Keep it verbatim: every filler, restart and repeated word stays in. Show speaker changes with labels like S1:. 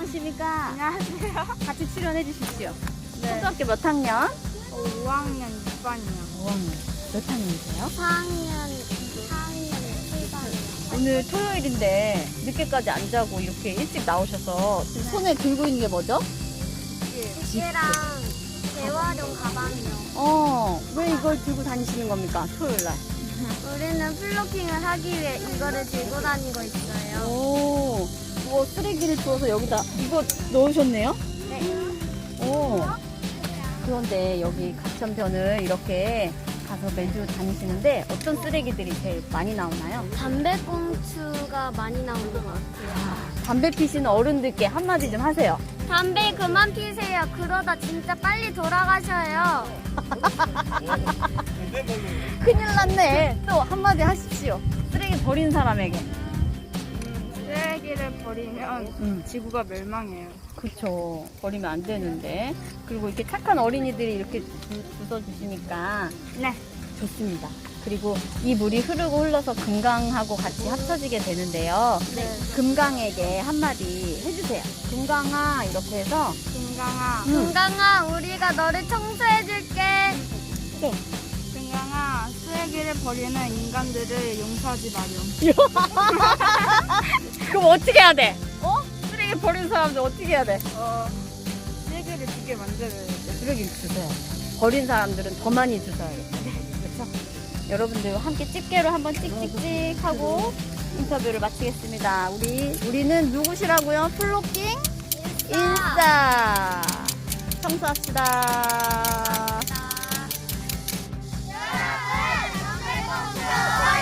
S1: 안녕하십니까.
S2: 안녕하세요.
S1: 같이 출연해 주십시오.
S2: 네.
S1: 초등학교 몇 학년?
S2: 오 학년 육 반이요.
S1: 오 학년. 몇 학년이세요?
S2: 사 학년, 사 학년 칠 반이요.
S1: 오늘 토요일인데 늦게까지 안 자고 이렇게 일찍 나오셔서 지금 손에 들고 있는 게 뭐죠?
S2: 집게랑 재활용 가방이요.
S1: 어, 왜 이걸 들고 다니시는 겁니까? 토요일 날.
S2: 우리는 플로킹을 하기 위해 이거를 들고 다니고 있어요.
S1: 오, 뭐 쓰레기를 주워서 여기다 이거 넣으셨네요?
S2: 네.
S1: 오. 그런데 여기 가천변을 이렇게 가서 매주 다니시는데 어떤 쓰레기들이 제일 많이 나오나요?
S2: 담배꽁초가 많이 나오는 것 같아요.
S1: 아, 담배 피시는 어른들께 한마디 좀 하세요.
S2: 담배 그만 피세요. 그러다 진짜 빨리 돌아가셔요.
S1: 큰일 났네. 또 한마디 하십시오. 쓰레기 버린 사람에게.
S2: 쓰레기를 버리면
S1: 음.
S2: 지구가 멸망해요.
S1: 그렇죠. 버리면 안 되는데. 그리고 이렇게 착한 어린이들이 이렇게 주워주시니까
S2: 네.
S1: 좋습니다. 그리고 이 물이 흐르고 흘러서 금강하고 같이 합쳐지게 되는데요.
S2: 네.
S1: 금강에게 한마디 해주세요. 금강아 이렇게 해서
S2: 금강아.
S1: 음.
S2: 금강아, 우리가 너를 청소해줄게.
S1: 네.
S2: 금강아, 쓰레기를 버리는 인간들을 용서하지 마렴.
S1: 그럼 어떻게 해야 돼? 어? 쓰레기 버리는 사람들 어떻게 해야 돼?
S2: 어, 쓰레기를 주게 만들어야 돼.
S1: 쓰레기 주세요. 버린 사람들은 더 많이 주셔야겠죠. 그렇죠? 여러분들 함께 집게로 한번 찍찍찍 하고 인터뷰를 마치겠습니다. 우리 우리는 누구시라고요? 플로킹 인싸. 청소합시다.
S2: 여러분,